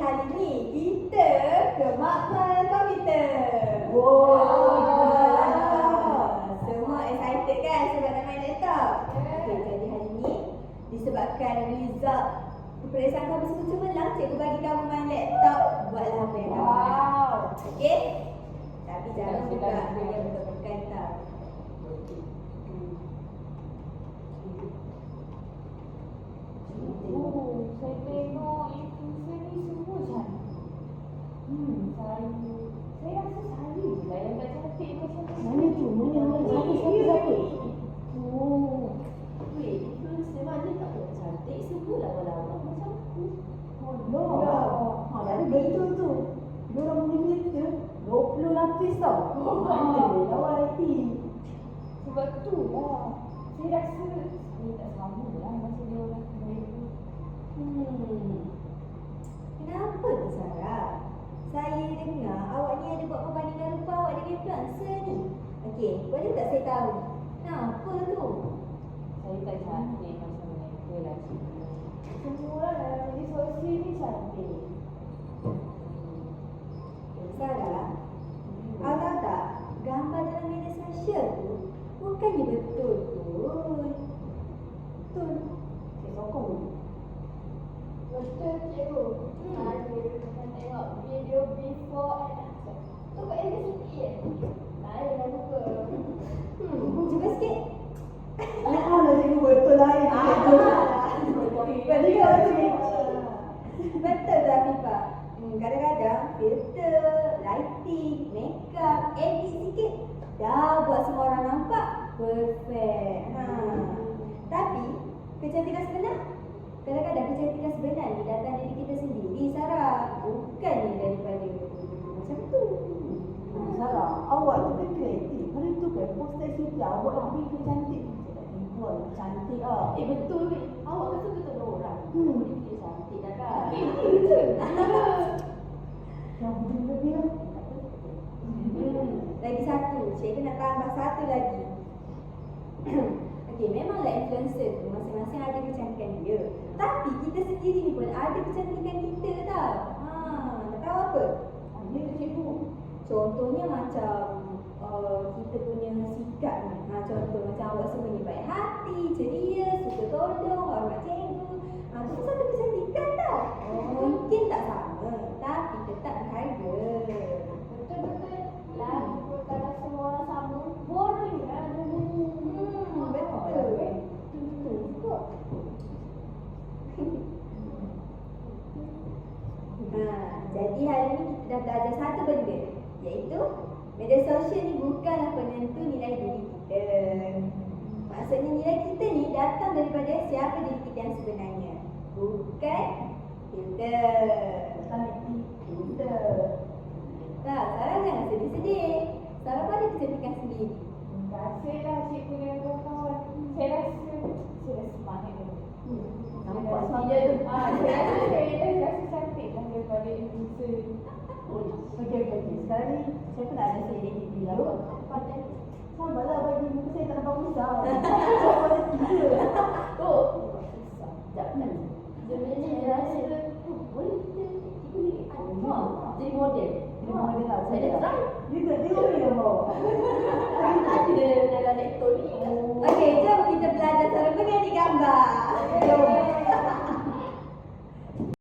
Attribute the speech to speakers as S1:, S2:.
S1: hari ni kita ke Makmal Komputer. Semua excited kan sebab nak main laptop? Okay, jadi hari ni disebabkan result peperiksaan kamu semua cemerlang, cikgu bagi kamu main laptop. Buatlah apa yang kamu nak. Okay? Tapi jangan buka dia betul-betul tau.
S2: Saya tengok influencer ni semua cantik. Saya rasa saya je lah yang tak cantik macam tu.
S3: Mana tu? Siapa?
S1: Weh, influencer mana tak buat cantik? Semua lawa-lawa macam aku.
S3: Jadi betul tu. Diorang punya filter 20 lapis tau. Mana lawa IT.
S2: Sebab tu lah. Saya rasa saya tak sama lah macam dia orang mereka.
S1: Kenapa tu Sarah? Saya dengar awak ni ada buat perbandingan rupa awak dengan influencer ni. Okey, boleh tak saya tahu? Kenapa tu?
S2: Saya tak cantik macam mereka lah cikgu. Semua orang dalam media sosial ni cantik.
S1: Sarah, awak tahu tak? Gambar dalam media sosial tu bukannya betul pun. Betul.
S3: Saya sokong.
S2: Betul cikgu. Saya tengok video before and after. Tu kat dia sikit je. Lain lah muka.
S1: Cuba sikit.
S3: Lah cikgu betul lah itu.
S1: Betul tak Fifa? Kadang-kadang filter, lighting, makeup, edit sikit dah buat semua orang nampak perfect. Tapi kecantikan sebenar, kadang-kadang kecantikan sebenar ni datang dari kita sendiri Sarah, bukannya daripada macam tu.
S3: Sarah, awak tu kan kreatif. Hari tu kan poster cerita awak nak bikin cantik. Saya tak jumpa cantik lah.
S2: Betul ni. Awak kan suka tolong orang. Dia cantik dah kan.
S3: Yang begini lebih lah.
S1: Lagi satu, cikgu nak tambah satu lagi. Okey, memanglah influencer tu masing-masing ada kecantikan dia. Tapi kita sendiri ni pun ada kecantikan kita tau. Nak tahu apa?
S3: Dia cikgu.
S1: Contohnya macam kita punya sikap ni. Contoh macam awak semua ni baik hati, ceria, suka tolong, hormat cikgu. Itu satu kecantikan tau. Mungkin tak sama, tapi tetap berharga.
S2: Betul-betul. Lah, kalau semua orang sama, boring lah dunia.
S1: Betul.
S2: Betul juga.
S1: Jadi hari ni kita dah belajar satu benda, iaitu media sosial ni bukanlah penentu nilai diri kita. Maksudnya nilai kita ni datang daripada siapa diri kita yang sebenarnya, bukan filter.
S3: Filter.
S1: Tak, Sarah jangan sedih-sedih. Sarah pun ada kecantikan sendiri.
S2: Terima kasihlah cikgu dan kawan-kawan. Saya rasa semangat dulu.
S3: Nampak saya tu.
S2: Saya rasa cantik lah daripada influencer.
S3: Okey. Sekarang ni saya pun nak ada saya edit lah. Sabarlah bagi muka saya tak nampak besar. Boleh tiga. Sekejap kan.
S2: Sebenarnya saya rasa boleh kita jadi model.
S3: Dia model lah.
S2: Saya dah try.
S3: Dia tengok ni yang bawa.